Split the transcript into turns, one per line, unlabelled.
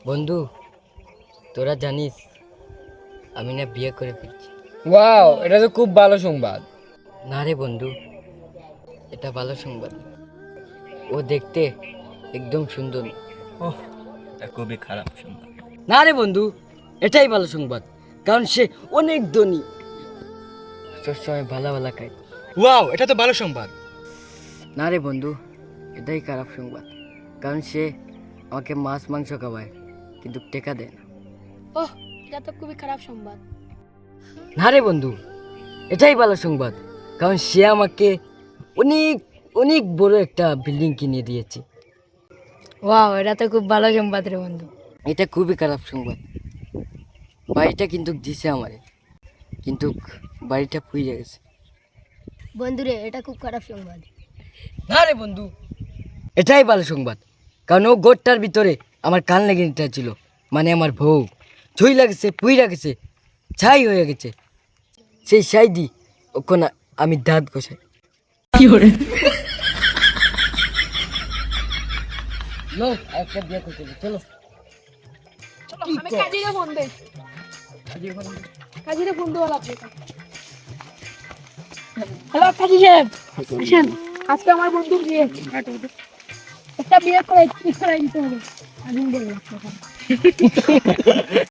বন্ধু, তোরা জানিস আমি না বিয়ে করে ফেলছি।
ওয়াও, এটা তো খুব ভালো সংবাদ।
না রে বন্ধু, এটা ভালো সংবাদ না। ও দেখতে একদম সুন্দর না।
ওহ, এটা খুবই খারাপ সংবাদ।
না রে বন্ধু, এটাই ভালো সংবাদ, কারণ সে অনেক ধনী, সবসময় ভালো ভালো খায়।
ওয়াও, এটা তো ভালো সংবাদ।
না রে বন্ধু, এটাই খারাপ সংবাদ, কারণ সে আমাকে মাছ মাংস খাওয়ায় কিন্তু টেকা দেয় না।
ওহ, এটা তো খুবই খারাপ সংবাদ।
না রে বন্ধু, এটাই ভালো সংবাদ, কারণ সে আমাকে অনেক অনেক বড় একটা বিল্ডিং কিনে দিয়েছে।
ওয়াও, এটা তো খুব ভালো সংবাদ রে বন্ধু।
এটা খুবই খারাপ সংবাদ। বাড়িটা কিন্তু দিছে আমারে, কিন্তু বাড়িটা পুড়ে গেছে।
বন্ধুরে, এটা খুব খারাপ সংবাদ।
না রে বন্ধু, এটাই ভালো সংবাদ, কারণ ও গোটটার ভিতরে আমার কান লেগে ছিল, মানে আমার বউ ছুঁই লাগেছে, পুইরা গেছে, ছাই হয়ে গেছে। সেই ছাই দি ওখানে আমি দাঁত ঘষাই। লো, একটা বিয়ে করতে হবে, চলো।
আমি কাজীরে ফোন দেই। কাজীরে ফোন দেওয়া লাগবে। হ্যালো কাজী সাহেব, আসেন। আজকে আমার বন্ধুর বিয়ে। একটা বিয়ে করে দিতে হবে। আমি বললাম